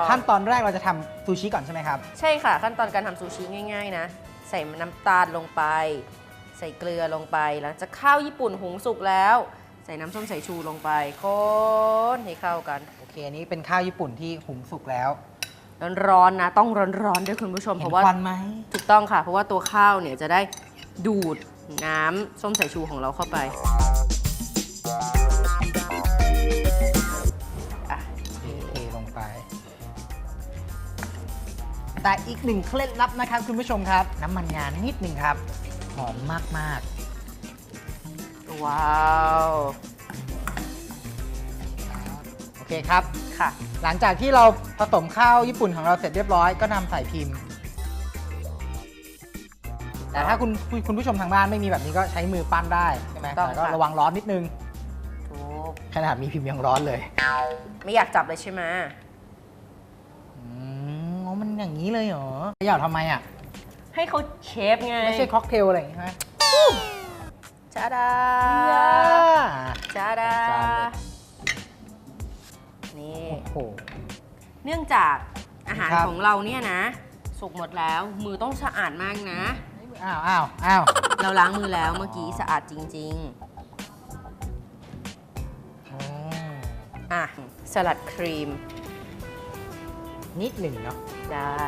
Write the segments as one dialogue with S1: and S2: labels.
S1: ขั้นตอนแรกเราจะทำซูชิก่อนใช่ไหมครับ
S2: ใช่ค่ะขั้นตอนการทำซูชิง่ายๆนะใส่น้ำตาลลงไปใส่เกลือลงไปหลังจากข้าวญี่ปุ่นหุงสุกแล้วใส่น้ำส้มสายชูลงไปคนให้เข้ากัน
S1: โอเคอันนี้เป็นข้าวญี่ปุ่นที่หุงสุกแล้ว
S2: ร้อนๆนะต้องร้อนๆด้วยคุณผู้ชมเพราะว่า
S1: ควันไหม
S2: ถูกต้องค่ะเพราะว่าตัวข้าวเนี่ยจะได้ดูดน้ำส้มสายชูของเราเข้าไป
S1: เทลงไปแต่อีกหนึ่งเคล็ดลับนะครับคุณผู้ชมครับน้ำมันงานิดหนึ่งครับหอมมาก
S2: ๆว้าว
S1: โอเคครับ
S2: ค่ะ
S1: หลังจากที่เราผสมข้าวญี่ปุ่นของเราเสร็จเรียบร้อยก็นำใส่พิมพ์แต่ถ้าคุณผู้ชมทางบ้านไม่มีแบบนี้ก็ใช้มือปั้นได้ใช่ไหมแต่ก็ระวังร้อนนิดนึงขนาดมีพิมพ์ยังร้อนเลย
S2: ไม่อยากจับเลยใช่ไหม
S1: มันอย่างนี้เลยเหรออยากทำไมอ่ะ
S2: ให้เขาเชฟไง
S1: ไม่ใช่ค็อกเทลอะไรอย่างงี้ใช่ไหม
S2: จ้าดาจ้าดานี่เนื่องจากอาหารของเราเนี่ยนะสุกหมดแล้วมือต้องสะอาดมากนะ
S1: อ้าว
S2: เราล้างมือแล้วเมื่อกี้สะอาดจริงๆสลัดครีม
S1: นิดหนึ่งเนาะ
S2: ได้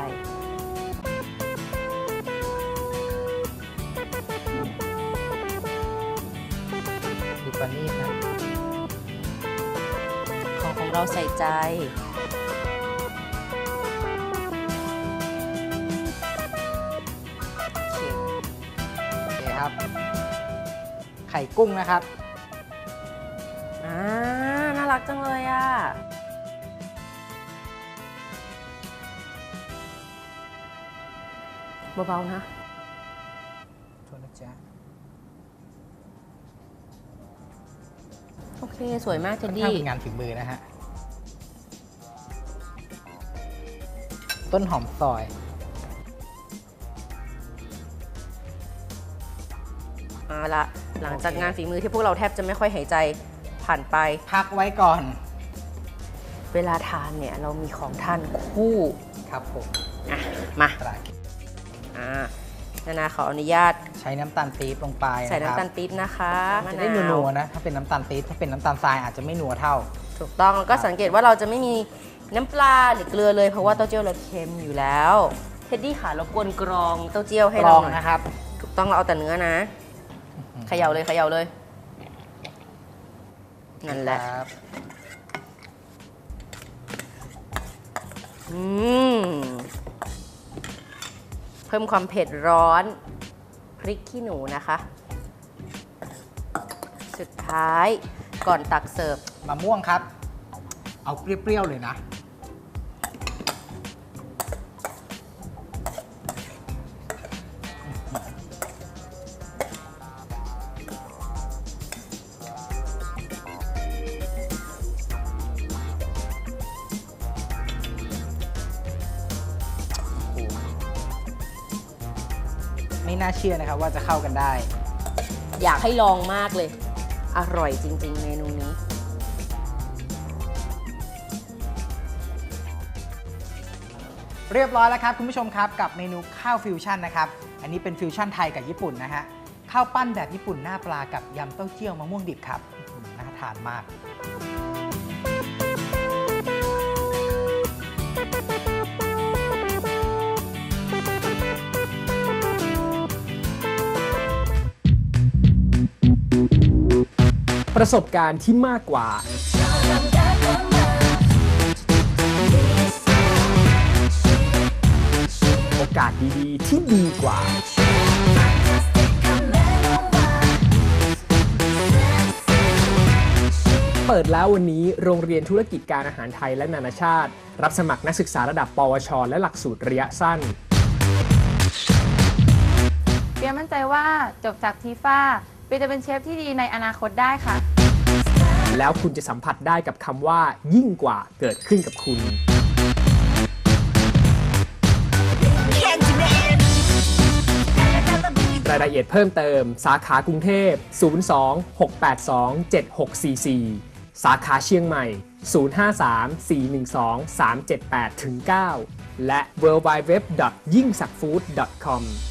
S1: ดูปานีนะ
S2: ของเราใส่ใจ
S1: โอเคครับไข่กุ้งนะครับ
S2: น่ารักจังเลยอ่ะเบาๆนะ
S1: โทษนะจ๊ะ
S2: โอเคสวยมากเจนดี้
S1: เป็นงานฝีมือนะฮะต้นหอมซอย
S2: ละหลังจากงานฝีมือที่พวกเราแทบจะไม่ค่อยหายใจผ่านไป
S1: พักไว้ก่อน
S2: เวลาทานเนี่ยเรามีของทานคู่
S1: ครับผม
S2: มานาขออนุญาต
S1: ใช้น้ำตาลปี๊บลงไป
S2: ใส่น้ำตาลปี๊บนะคะ
S1: จะได้นัวๆนะถ้าเป็นน้ำตาลปี๊บถ้าเป็นน้ำตาลทรายอาจจะไม่นัวเท่า
S2: ถูกต้องแล้วก็สังเกตว่าเราจะไม่มีน้ำปลาหรือเกลือเลยเพราะว่าเต้าเจี้ยวเราเค็มอยู่แล้วเท็ดดี้ค่ะรบกวนกรองเต้าเจี้ยวให้เราหน่อย
S1: นะครับ
S2: ถูกต้องเราเอาแต่เนื้อนะเขย่าเลยนั่นแหละเพิ่มความเผ็ดร้อนพริกขี้หนูนะคะสุดท้ายก่อนตักเสิร์ฟ
S1: มะม่วงครับเอาเปรี้ยวๆเลยนะไม่น่าเชื่อนะครับว่าจะเข้ากันได้
S2: อยากให้ลองมากเลยอร่อยจริงๆเมนูนี้
S1: เรียบร้อยแล้วครับคุณผู้ชมครับกับเมนูข้าวฟิวชั่นนะครับอันนี้เป็นฟิวชั่นไทยกับญี่ปุ่นนะฮะข้าวปั้นแบบญี่ปุ่นหน้าปลากับยำเต้าเจี้ยวมะม่วงดิบครับน่าทานมาก
S3: ประสบการณ์ที่มากกว่าโอกาสดีๆที่ดีกว่าเปิดแล้ววันนี้โรงเรียนธุรกิจการอาหารไทยและนานาชาติรับสมัครนักศึกษาระดับปวชและหลักสูตรระยะสั้น
S4: เปียมั่นใจว่าจบจากทีฟ้าเปียจะเป็นเชฟที่ดีในอนาคตได้ค่ะ
S3: แล้วคุณจะสัมผัสได้กับคำว่ายิ่งกว่าเกิดขึ้นกับคุณรายละเอียดเพิ่มเติมสาขากรุงเทพ 02-682-7644 สาขาเชียงใหม่ 053-412-378-9 และ www.yingsakfood.com